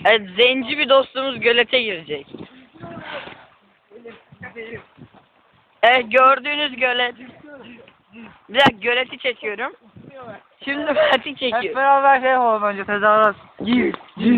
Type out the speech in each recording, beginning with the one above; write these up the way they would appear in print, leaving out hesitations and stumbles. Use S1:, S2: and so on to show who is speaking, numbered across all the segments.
S1: Evet, zenci bir dostumuz gölete girecek. Evet, gördüğünüz gölet. Bir dakika, göleti çekiyorum. Şimdi Mert'i
S2: Hep
S1: çekiyorum.
S2: beraber şey yapalım önce tezahürat. Gir.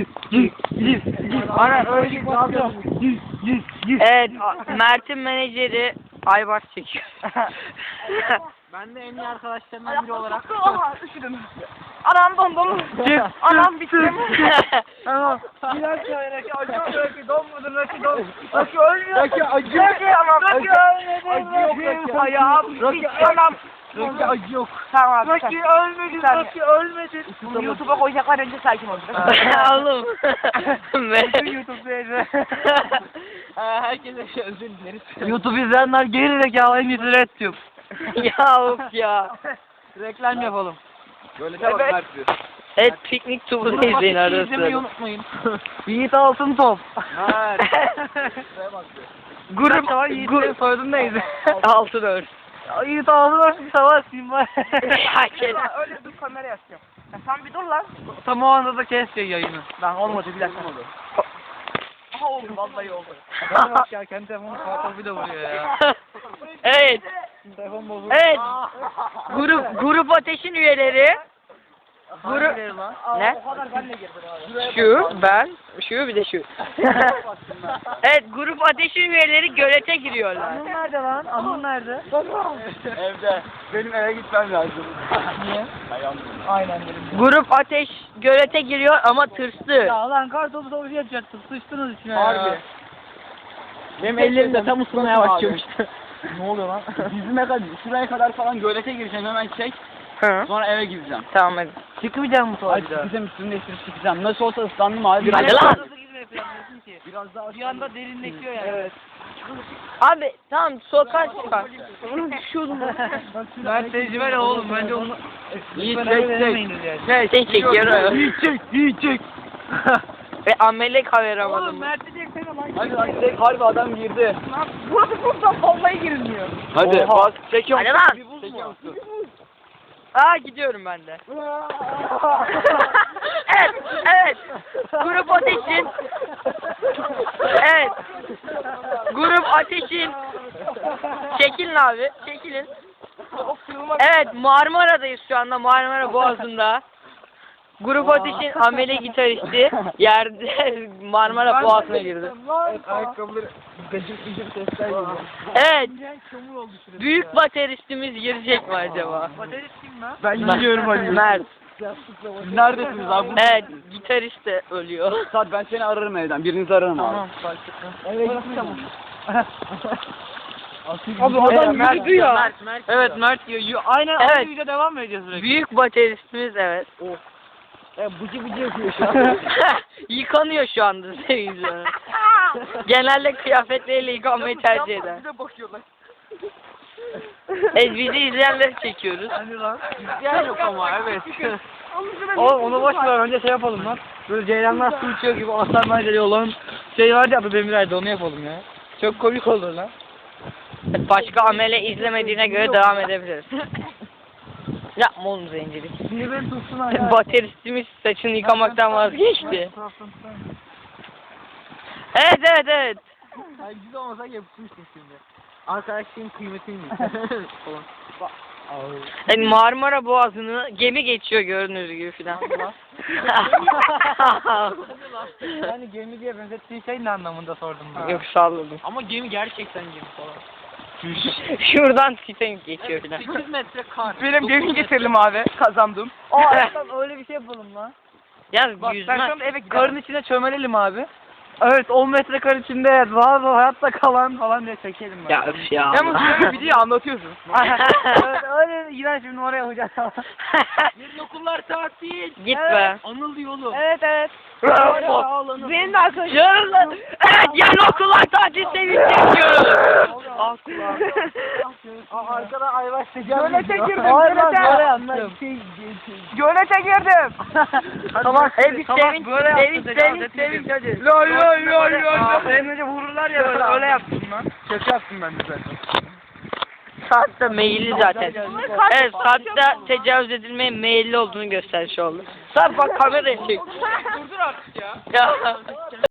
S2: Ana öyle
S1: Evet, Mert'in menajeri Aybars çekiyor.
S2: Ben de en iyi arkadaşlarımdan biri olarak.
S3: Anam dondum. Anam bittim.
S2: Tamam.
S3: Raki acıyor, Raki donmadı, Raki don. Raki ölmüyor.
S2: Raki acıyor.
S3: Raki ama Raki ölmedi.
S2: Acı yok Raki.
S3: Ayağım bitti. Anam.
S2: Raki acı yok.
S3: Tamam. Raki ölmedi, Raki ölmedi. Bunu YouTube'a koyacaklar, önce sakin ol.
S1: Oğlum.
S2: YouTube'da herkese özür dileriz. YouTube izleyenler geri zekalı en iyisi Red Tube.
S1: Ya of ya.
S2: Reklam yapalım.
S4: Böyle de bak Mert diyor.
S1: Evet, piknik tubunu izleyin arada
S2: İzlemeyi
S1: sırada.
S2: unutmayın. Yiğit Altın Top.
S4: Mert.
S1: Grup,
S2: Yiğit'in soyadını neydi?
S1: altın ör.
S2: Yiğit Altın Top savaşayım var.
S3: Öyle dur, kamera yapacağım. Sen bir dur lan.
S2: Tam o anda da kes yayını. Lan olmadı bir dakika oldu.
S3: Aha oldu, vallahi oldu.
S2: Bana bak ya kendi telefonu kartal bir de vuruyor ya.
S1: Evet.
S2: Telefon bozuldu.
S1: Evet. Grup ateşin üyeleri. Grup ne?
S3: O kadar ben de girdim abi.
S1: Şu, ben, şu bir de şu. Evet, grup ateşin üyeleri gölete giriyorlar.
S2: Anıl nerede lan? Anıl nerede?
S4: Evde. Benim eve gitmem lazım.
S2: Niye?
S4: Ayağım.
S2: Aynen benim.
S1: Grup ateş gölete giriyor ama tırstı.
S2: Ya lan kartopu savaşı yapacaktım. Sıçtınız içine ya.
S4: Harbi.
S2: Benim ellerim de tam ısınmaya başlamıştı.
S4: Ne oluyor lan? Dizime kadar, şuraya kadar falan gölete gireceğim, hemen çek.
S1: Hı.
S4: Sonra eve gideceğim.
S1: Tamam hadi.
S2: Çıkmayacak mı sonra
S4: Hadi
S2: bir daha?
S4: çıkacağım, üstümü değiştirip çıkacağım. Nasıl olsa ıslandım abi. Biraz
S1: Hadi lan.
S2: Nasıl gitmeyi planlıyorsun ki?
S4: Biraz daha
S2: Bir anda derinleşiyor yani.
S4: Evet.
S1: Abi tamam, sokağa çıkar.
S2: Ben tecrübeli oğlum bence onu...
S4: İyi,
S2: Lütfen
S4: çek,
S2: öyle
S4: çek.
S2: denemeyiniz yani.
S1: Sen çekiyorum.
S4: İyi çek.
S1: Ve amele kameramanım.
S3: Oğlum Mert diyecek lan.
S4: Hadi lan çek, harbi adam girdi.
S3: Lan burası buzdan vallahi girilmiyor.
S4: Hadi bas, çekiyorum.
S1: Hadi lan.
S4: Çekiyor musun?
S1: Aa, gidiyorum ben de. Evet, evet. Grup ateşin. Evet. Grup ateşin. Çekilin abi, çekilin. Evet, Marmara'dayız şu anda, Marmara Boğazı'nda. Grup ateşin amele gitaristi yerde Marmara Boğazı'na girdi.
S4: Ayakkabıları gıcık sesler geliyor.
S1: Evet. Büyük bateristimiz girecek mi acaba?
S2: Baterist kim lan?
S4: Ben gidiyorum Ali.
S1: Mert.
S4: Siz neredesiniz abi?
S1: Evet, gitarist de ölüyor.
S4: Saat ben seni ararım evden. Birinizi ararım abi.
S2: Tamam başlıklı. Eve gideceğim.
S4: Abi
S2: adam yürüdü ya.
S1: Mert
S2: Evet Mert diyor. Aynen
S1: Evet.
S2: aynı videoya devam mı edeceğiz sürekli?
S1: Büyük bateristimiz evet.
S4: Bıcı yapıyor şu an.
S1: Yıkanıyor şu anda seyirciler. Genelde kıyafetleriyle yıkanmayı tercih eder.
S3: Bir de bakıyorlar.
S1: Evet, bizi izleyenleri çekiyoruz.
S2: Hani lan?
S4: Yani yok ama evet.
S2: Oğlum onu boş ver önce şey yapalım lan. Böyle ceylanlar su içiyor gibi aslan bence olan şey vardı ya adı Demiray'da onu yapalım ya. Çok komik olur lan.
S1: Başka amele izlemediğine göre devam edebiliriz. Yapma oğlum zencilik.
S2: Niye beni tutsun ayağa?
S1: Bateristimiz saçını yıkamaktan vazgeçti. Evet.
S2: Ay güzel olmasa yapışmıştım şimdi. Arkadaşlığın kıymetini falan.
S1: Yani Marmara Boğazı'nı gemi geçiyor gördüğünüz gibi filan.
S2: Yani gemi diye benzettiğin şey ne anlamında sordum ben.
S1: Yok, salladım.
S2: Ama gemi gerçekten gemi falan.
S1: Şuradan Titanic geçiyor filan.
S2: 8 metre kar.
S3: Benim gemi getirdim abi, kazandım.
S2: Öyle bir şey yapalım lan.
S1: Yalnız
S2: Bak ben
S1: yüzme.
S2: şu anda eve karın içine çömelelim abi. Evet 10 metre kar içinde rahat hayatta kalan falan diye çekelim ben.
S1: Ya öf ya.
S3: Yalnız böyle bir diye anlatıyorsun.
S2: Evet, öyle iğrenç bir oraya yapacağız.
S3: Yarın okullar tatil.
S1: Git be.
S2: Anıl yolu.
S3: Evet. Benim de arkadaşım.
S1: Yarın lan. Evet, yarın okullar tatil sevinci çekiyoruz.
S2: Al kulağım. Arkada ayvaş sıcak.
S3: Gölete girdim,
S2: Hayır lan
S3: gölete.
S2: böyle yaptım.
S3: Gölete girdim.
S2: Tamam.
S1: Bir sevinç, sevinç hadi.
S3: Lol lol lol lol.
S2: Benim önce vururlar ya böyle öyle yaptım lan.
S4: Şaka yaptım ben de zaten.
S1: Sarp da meyilli zaten. Evet, Sarp da tecavüz edilmeye meyilli olduğunu göstermiş oldu. Sarp bak kameraya çek.
S3: Durdur artık ya.
S1: Ya.